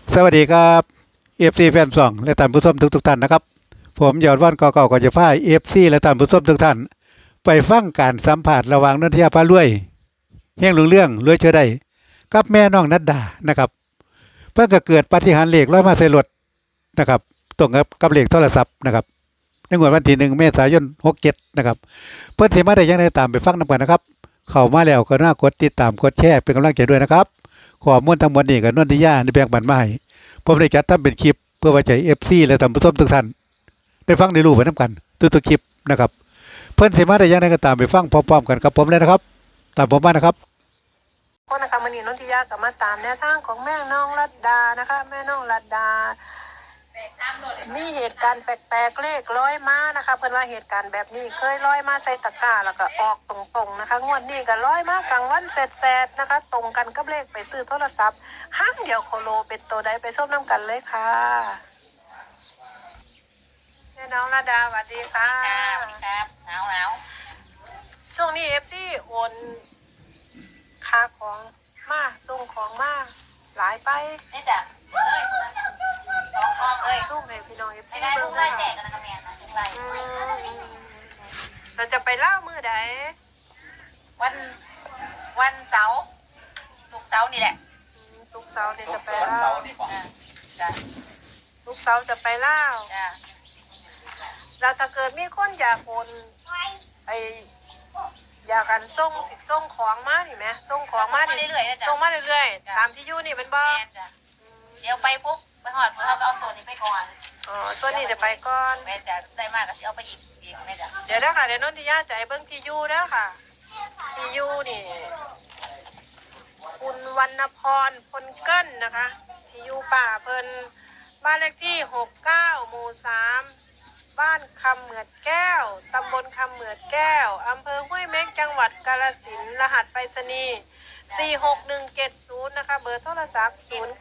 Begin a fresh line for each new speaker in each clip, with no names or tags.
สวัสดีครับเอฟซีแฟนซองและท่านผู้ชมทุกท่านนะครับผมยอดว่านกอเก่าก็จะพาเอฟซีและท่านผู้ชมทุกท่านไปฟังการสัมผัสระหว่างนนทยาพารวยเฮงหลวงเรื่องรวยเชื่อได้กับแม่น้องนัดดานะครับเพื่อก็เกิดปาฏิหาริย์เลขร้อยมาใส่รถนะครับตรงกับเลขโทรศัพท์นะครับในงวดวันที่1 เมษายน67นะครับเพื่อนสิมาได้ยังไงตามไปฟังนำกันนะครับเข้ามาแล้วก็น่ากดติดตามกดแชร์เป็นกำลังใจด้วยนะครับขอมูลทั้งหมดนี้กับนนทยาในแบ่งปันมาให้ผมได้จัดทำเป็นคลิปเพื่อไว้ใจFCและท่านผู้ชมทุกท่านได้ฟังได้รู้ไปนำกันทุกคลิปนะครับเพื่อนสิมาได้ยังไงก็ตามไปฟังพร้อมๆกันครับผมเลยนะครับตามผมมานะครับ
คนนะคะมันนี่นนทิยากับมาตามแนวทางของแม่น้องรัตดานะคะแม่น้องรัตดามีเหตุการณ์แปลกๆเลขร้อยมานะคะเพิ่นว่าเหตุการณ์แบบนี้เคยร้อยมาใส่ตะกร้าแล้วก็ออกตรงๆนะคะงวดนี้ก็ร้อยมากลางวันแสดๆนะคะตรงกันกับเลขไปซื้อโทรศัพท์ห้างเดียวโคโลเป็นตัวใดไปส้มน้ำกันเลยค่ะแม่น้องรัตดาสวัสดีค่ะ
ครับหนาว
ช่วงนี้ที่โอนค่าของมาส่งของมาหลายไป
นี่จ้ะสองกองเลย
สู้แม่พี่น้อง
ไม่
ที่
ได้
เบิ่
ลู
ง
กไล่
นะ
แจกกันนะแม่นะลูกไล่
เราจะไปเล่ามือใด
วันเสาร์ศุกร์เสาร์นี่แหละ
ลูกสาวเนี่ยจะไปเล่า
จ้ะ
ลูกสาวจะไปเล่า
จ้ะ
เราถ้าเกิดมีคนอยากโอนไออยากกันส่งของมานี่ไหมส่งของมาดิ
เรื่อยๆนะจ๊ะ
ส่งมาเรื่อยๆตามที่อยู่นี่เป็นบ่
แม่จ้ะเดี๋ยวไปปุ๊บไปหอดเขาก็เอาโซนนี้ไปก่อน
อ๋อส่วนนี้จะไปก่อน
แม่จะได้มากก็เอาไปอีกแม่จ้ะ
เดี๋ยวนะคะเดี๋ยวนนทิยาจะให้เบิ่งที่อยู่แล้วค่ะที่อยู่นี่คุณวรรณพรพลเกิ้ลนะคะที่อยู่ป่าเพิ่นบ้านเลขที่69 หมู่ 3บ้านคำเหมือดแก้วตำบลคำเหมือดแก้วอำเภอห้วยเม็กจังหวัดกาฬสินธุ์รหัสไปรษณีย์46170นะคะเบอร์โทรศัพท์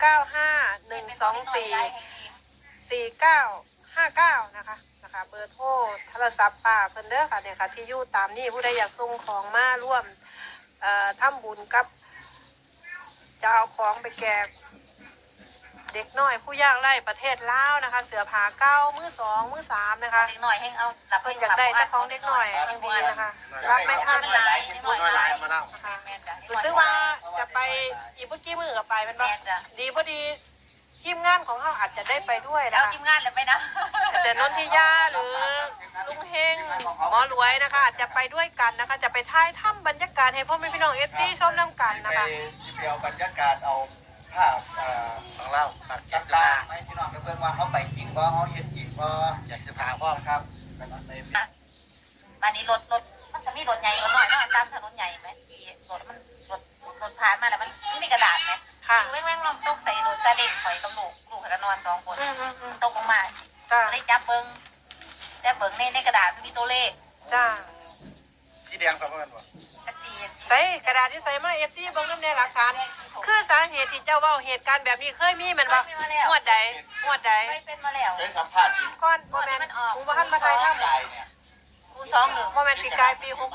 0951244959นะคะเบอร์โทรโทรศัพท์ป่าเพิ่นเด้อค่ะเนี่ยค่ะที่อยู่ตามนี่ผู้ใดอยากส่งของมาร่วมทำบุญกับจะเอาของไปแจกเด็กน้อยผู้ยากไร้ประเทศลาวนะคะเสื้อผ้าเก่ามือ2 มือ 3นะคะ
เด็กหน่อยให้เอารับ
เพิ่นอยากได้แต่ของเด็กน้อยจริงๆนะคะรับไม่ทัน
หลายเด็กน้อยหลายแม่จ้ะ
รู้สึกว่าจะไปอีกเมื่อกี้มือกับไปเป็นบ่
แม่จ้ะ
ดีพอดีทีมงานของเขาอาจจะได้ไปด้วย
แล้ว
นะคะ
ทีมงานเลยไหมนะ
แต่นนทิยาหรือลุงเฮงหมอรวยนะคะอาจจะไปด้วยกันนะคะ จะไปถ่ายถ้ำบรรยากาศให้พ่อแม่พี่น้องFCชมน้ำกันนะคะ
ไปที่เดียวบรรยากาศเอาภาพของเราตัดจัดตาให้พี่น้องกับเพื่อนว่าเขาไปจริงว่าเขาเห็นจริงว่าอยากจะถามพ่อครับแต่ละใน
บ้านนี้รถมันจะมีรถใหญ่รถน้อยเนาะตามถนนใหญ่ไหมที่รถมันรถผ่านมาแล้วมันมีกระดาษไหม
ค่ะ
แม่งลองตกใส่รถซาเล้งข่อยกับลูกกันนอน2 คน ตกลงมา
จ้า
ได้จับเบิ้งแต่เบิ้งในกระดาษมันมีตัวเลข
จ้า
ที่แดงประเมินว่า
อันสี่
ใส่กระดาษที่ใส่มาFCเบิ่งน้ำในหลักฐานคือสาเหตุที่เจ้าเว้าเหตุการณ์แบบนี้เคยมีแมันบ่งวดใด
เคยเป็นมาแล้ว
เคยสัมภาษณ์จริง
ก่อนบ่แม่นกูบ่ทันมาถ่ายถ้ำ
ใจเนี่ย
คู21
บ่แม่นปีกายปี64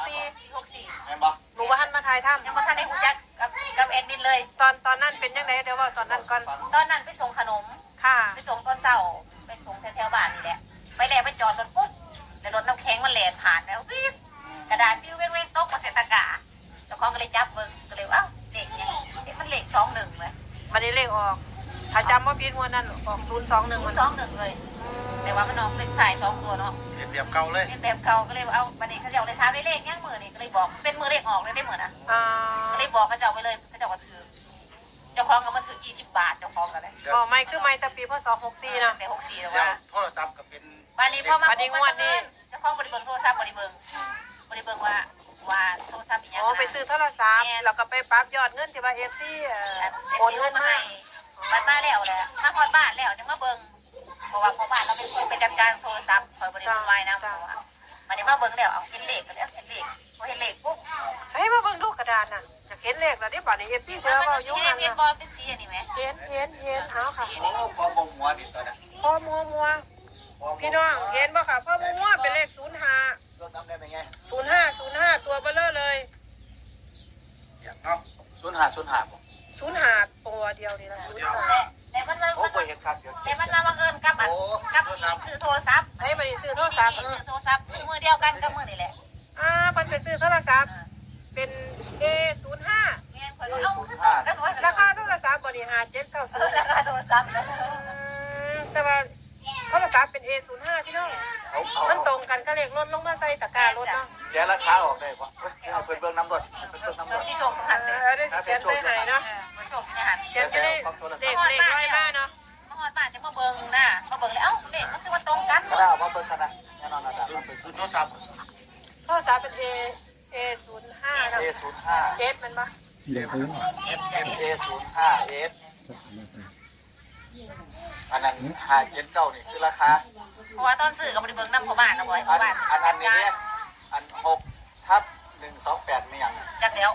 64
เห็นปะ
หนูบ่ทันมาถ่ายถ้ำ
ยังมาทันได้หูจักกับแอดมินเลย
ตอนนั้นเป็นยังไงเดี๋ยวเว่าตอนนั้นก่อน
ตอนนั้นไปส่งขนม
ค่ะ
ไปส่งตอนเช้าไปส่งแถวบ้านนี่แหละไปแล้วไปจอดรถปุ๊บแต่รถน้ำแข็งมันแล่นผ่านแล้วปิ๊บกระดาษปิ้วเว้งๆตกมาใส่ตะกร้าเจ้าของก็เลยจับเบิ้งก็เลยเอ้าเลขยังมันเลข21เลย
วันนี้เลขออกถ้าจำว่าผิดงวดนั้นออก021มัน
21เลยแต่ว่ามันออกเลขถ่าย2 ตัวเนาะ
เรียบเรียบเก่าเลย
เป็นแบบเก่าก็เลยเอาบัดนี้เขาเจ้าเลยถามเลขยังมือนี่ก็เลยบอกเป็นมือเลขออกเลยได้เหมือนนะ
อ่า
ก็เลยบอกเขาเจ้าไปเลยเขาเจ้าก็ถือเจ้าของก็มาถือ20 บาทเจ้าของก็เลย
อ๋อไม่คือไม่แต่ปีพศ64นะ
แต่64แล้ว
เดี๋ยว
ว่า
โทรศัพท์กับเป็น
บัดนี้พอมา
บัดนี้งวดนี้
เจ้าของบริเบิงโทรศัพท์บริเบิงว่าโทรศัพท์อีหยัง
อ๋อไปซื้อโทรศัพท์แล้วก็ไปปรับยอดเงินที่ว่า FC โอนเงินมาให้
บัดมาแล้วแหละถ้าฮอดบ้านแล้วจังมาเบิงเพราะว่าพอบ้านเราเป็นคนไปจัดการโทรศัพท์คอยบริเบิงไว้นะเพราะว่าบัดนี้มาเบิงแล้วเอาเห็นเลขก็แล้วเห็นเลขพอเห็นเลขปุ๊บ
ใช้มาเบิ่งดูกระดานน่ะอยากเห็นเลขแล้วที่บัดนี้ FC เจอ
มัน
เว้า
จะ
อยู่
เห็
นั่
น
น
เป็นบ
น่ะ
อลเป็นสีอันนี้ไหม
เห็นเอาค่ะ
โอ้พอบ่หัวนี่ตัวนั้น
พ่อมัวพี่น้องเห็นบ่ค่ะพ่อมัวเป็นเลข05
รถจำได้ไหมไง
05ตัวเบ้อเร่อเลย
อย่างเนาะศูนย์หาบ่
05ตัวเดียวนี่ล่ะ05
มันมา
โอ้บ่เห็นครับเดี๋ยว
แต่มันมาบังเอิญกับอันกับที่ซื้อโทรศัพท์
ให้มาซื้อโทรศัพท์
ซื้อโทรศัพท์ซื้อมือเดียวกันกับมือนี่แหละ
เพิ่นไปซื้อโทรศัพท์เป็น A05
แม่นข่อยก็เอาแล้วว่า
ราคาโทรศัพท์บ่นี่5790
ราคาโทรศัพท์
แต่ว่าโทรศัพท์เป็น A05 พี่น้องมันตรงกันก็เลขรถลงมาใส่ตะกร้ารถเนาะ
แกราคาออกได้ป่ะเอาเพิ่นเบิ่งน้ำรถเพิ่นเบิ่งน้ำรถ
ที่โชคสหัสเลย
ได้เขียนใส่ให้เนาะ
มาโชคที่หัน
เขียนจะได้เลขร้อยมาเนาะ
มาฮอดบ้านจะมาเบิ่งนะมาเบิ่งแล้วเอ้าเลขมันคือว่าตรงกัน
ก็ได้เอามาเบิ่งกันนะแน่นอนนะมาเบิ่งคือโทรศัพท์
โทรศัพท์เป็น A05 เนาะ
A05
S มันบ่
A05S อันนั้น579นี่คือราคา
เพราะว่าตอนซื้อก็บ่ได้เบิ่งนำพ่อบ้านนะบ่อย
อั
พ่อน บ้าน
อันนี้เนี่ยอัน6/128มีหยัง
จักแล้ว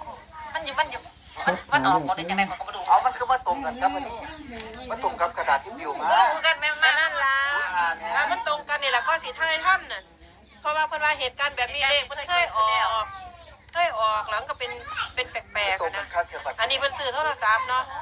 มันออกบ่ได้จังได๋ก็บ่รู้
เอามันคือมาตรงกันครับอันนี้มาตรงกับกระดาษที่บิวมา
คือกันแม่
มา
มา
นั่นล่ะ
เนี่ย
แล้วมันตรงกันนี่แหละก็สิทายท่านน่ะเพราะว่าเพิ่นว่าเหตุการณ์แบบนี้เลขมันเคยออกหลังก็เป็นแปลก
ตร
ๆ
งกั
นะ
นครับเกี่ยวกับ
อันนี้เพิ่นซื้อโทรศัพท์เนาะ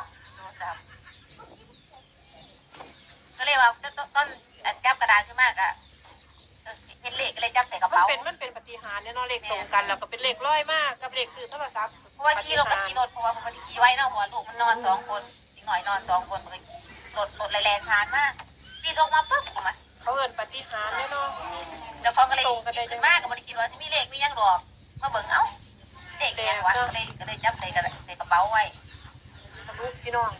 ก็เลยว่าต้นจับกระดาษขึ้นมากอะเห็นเลขก็เลยจับใส่กระ
มัน
เป๋า
เป็นปฏิหารย์เนี่ยเนาะเลขตรงกันแล้วก็เป็นเลขร้อยมากกับเลขซื้อโทรศัพท์
เพราะว่าขี่รถกับขี่รถเพราะว่าผมขี่ไว้เนาะหัวลูกมันนอน2 คนอีกหน่อยนอน2 คนมันรถแรงๆผ่านมาปีนออกมาปุ๊บออกมา
เขาเอิ้นปฏิหารย์เนี่ยเนาะ
แล้วเขาก็เลยขึ้นมากก็ไม่ได้คิดว่าจะมีเลขมียังดอกมาเบิ่งเอ้าเลขยังวะก็เลยจับใส่กระเป๋าไว้
ทะลุพี่น้อง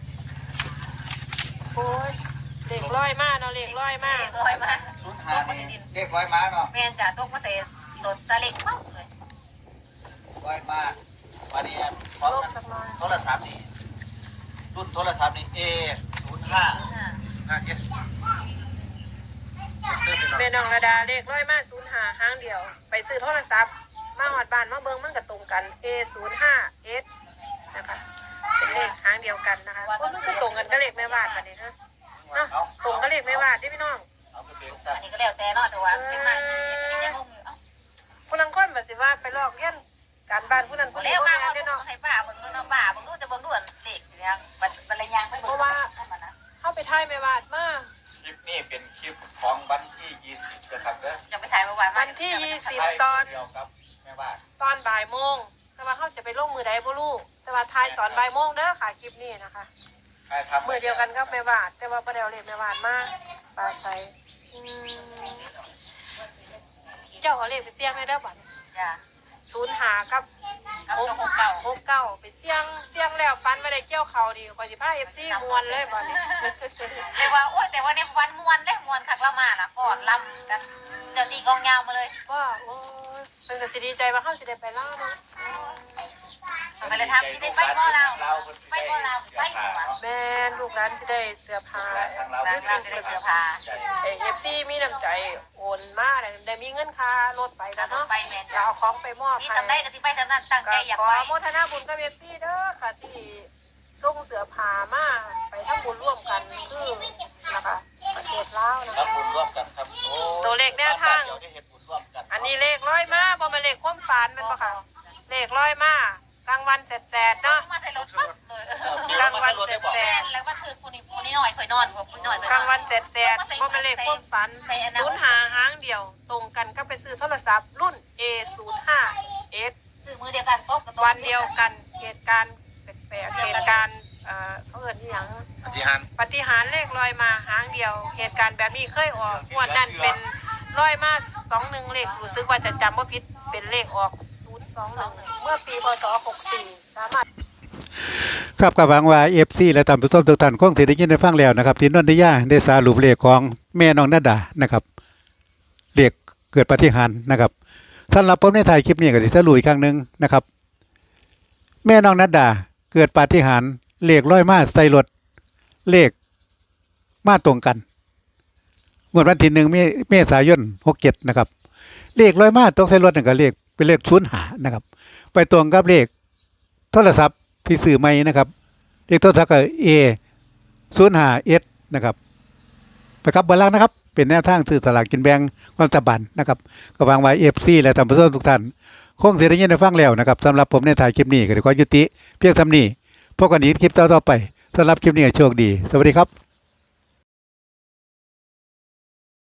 โอ้ยเลขร้อยมากเนาะเลขร้อยมาก
เลขร้อยมา
05นี่เรียกร้อยม้าเนาะ
แม่นจ้ะตกมาใส่รถซาเล้งปั๊บเลย
ร้อยม้าวันนี้พร้อม
ลบ
กัน
สักหน่อย
โทรศัพท์นี่รุ่นโทรศัพท์นี่ A05 5S
แม่น้องระดาเลขร้อยมาก05หางเดียว ไปซื้อโทรศัพท์มาหอดบ้านมาเบิ่งมันก็ตรงกัน A05S นะคะเป็นเลขหางเดียวกันนะคะโอ้มันก็ตรงกันก็เลขแม่วาดบัดนี้เนาะเนาะตรงก็เลขแม่วาดเด้พี่น้อง
เอาไปเบิ่งซะ
อันนี้ก็แล้วแต่เนาะแต่ว่าเป็นมาสิยังงงอยู่เอ้า
ผู้ลังคนแบบสิว่าไปลอกเรียนการบ้านผู้นั้นผู้นี้
แล้ว
บ่
มา
แม่น
เด้
เด้เนาะ
ให้ป้าเบิ่งดูเนาะป้าเบิ่งดูแต่เบิ่งดูเลขอยู่ยังบรรยางไปเบิ่ง
เข้าไปถ่ายแม่วาดมา
คลิปนี้เป็นคลิปของวันที่20นะครับเด้อ
จะไปถ่ายเมื่อวาน
วันที่20ตอน
เดียวกับแม่บ้าน
ตอนบ่ายโมงแต่ว่าเขาจะไปลงมือใดบ่รู้แต่ว่าถ่ายตอนบ่ายโมงเด้อค่ะคลิปนี้นะคะ
ใครทำ
มือเดียวกันกับแม่วาดแต่ว่าบ่ได้เอาเลขแม่วาดมาปลาใสเจ้าเอาเลขไปเสี่ยงได้เด้อบัด
จ้ะ
05กับ
เอาตัว6 เก่า
69ไปเสี่ยงแล้วฟันบ่ได้เกี่ยวเขาดีกว่าสิพา FC ม่วนเลยบัดนี้
แต่ว่าโอ้ยแต่ว่าในวันมวนได้มวนคักละมาน่ะก่อนลำกันเดี๋ยวตีกองยาวมาเลย
ก็โอ้ยเพิ่นก็สิดีใจว่าเฮาสิได้ไปลาวเนาะ
ไปเลยทำที่ได้ไปบ่เราไปบ่เราไปหัว
แม่นลูกหลานสิได้เสื้อผ้า
ร้านเราจะได้เสื้อผ้า
FC มีน้ำใจโอนมาได้มีเงินค่ารถไปแล้วเนาะ
ไปแม่น
จะเอาของไปมอบ
นี่
ให้
ทำได้ก็สิไปทำนั้นตั้ง
ก็
ใจอยาก
ขอ
ไป
โมทนาบุญกับ FC เด้อค่ะที่ส่งเสื้อผ้ามาไปทำบุญร่วมกันคือนะคะประเทศลาวนะ
ครั
คะ
บบุญร่วมกันครับโอ้
ตัวเลขแนวทาง
เดี๋ยวได้เห็นบุญร่วมกัน
อันนี้เลขร้อยมาบ่แม่นเลขความฝันแม่นบ่ค่ะเลขร้อยมากลางวันแสดๆเนาะ
มาใส่รถปั๊บเลย
กลางวันแส
แม่
ด
แล้วว่าคือคนนี้หน่อยคอยนอนคนหน่อย
ๆกลางวันแสดๆบ่แม่นเลขความฝัน05หางเดียว ตรงกันก็ไปซื้อโทรศัพท์รุ่น A05S
ซื้อมือเดียวกันโต๊ะกับ
วันเดียวกันเหตุการณ์แปลกๆเหตุการณ์เขาเอิ้นอิหยัง
ปฏิหาร
ปฏิหารย์เลขลอยมาหางเดียว เหตุการณ์แบบนี้เคยออกงวดนั้นเป็นลอยมา21เลขรู้สึกว่าจะจำบ่ผิดเป็นเลขออก021เมื่อปีพศ64สามารถ
ครับกับหวังว่า FC และตามผู้ชมทุกท่านคงสิได้ยินได้ฟังแล้วนะครับที่นนทิยาได้สรุปเลขของแม่น้องนาดานะครับเลขเกิดปาฏิหาริย์นะครับสำหรับผมในถ่ายคลิปนี้ก็สิสรุปอีกครั้งหนึงนะครับ แม่น้องนาดาเกิดปาฏิหาริย์เลขร้อยมาใส่รถเลขมาตรงกันงวดวันที่1เมษายน67นะครับเลขร้อยมาตรงใส่รถนั่นก็เลขเป็นเลข05นะครับไปตรงกับเลขโทรศัพท์ที่ซื้อใหม่นะครับเลขโทรศัพท์ก็ A05S นะครับไปครับเบอร์ล่างนะครับเป็นแนวทางซื้อสลากกินแบ่งรัฐบาลนะครับก็หวังไว้ FC และท่านผู้ชมทุกท่านคงสิได้ยินได้ฟังแล้วนะครับสำหรับผมในถ่ายคลิปนี้ก็ขอยุติเพียงเท่านี้พบกันอีกคลิปต่อๆไปสำหรับคลิปนี้ก็โชคดี สวัสดีครับ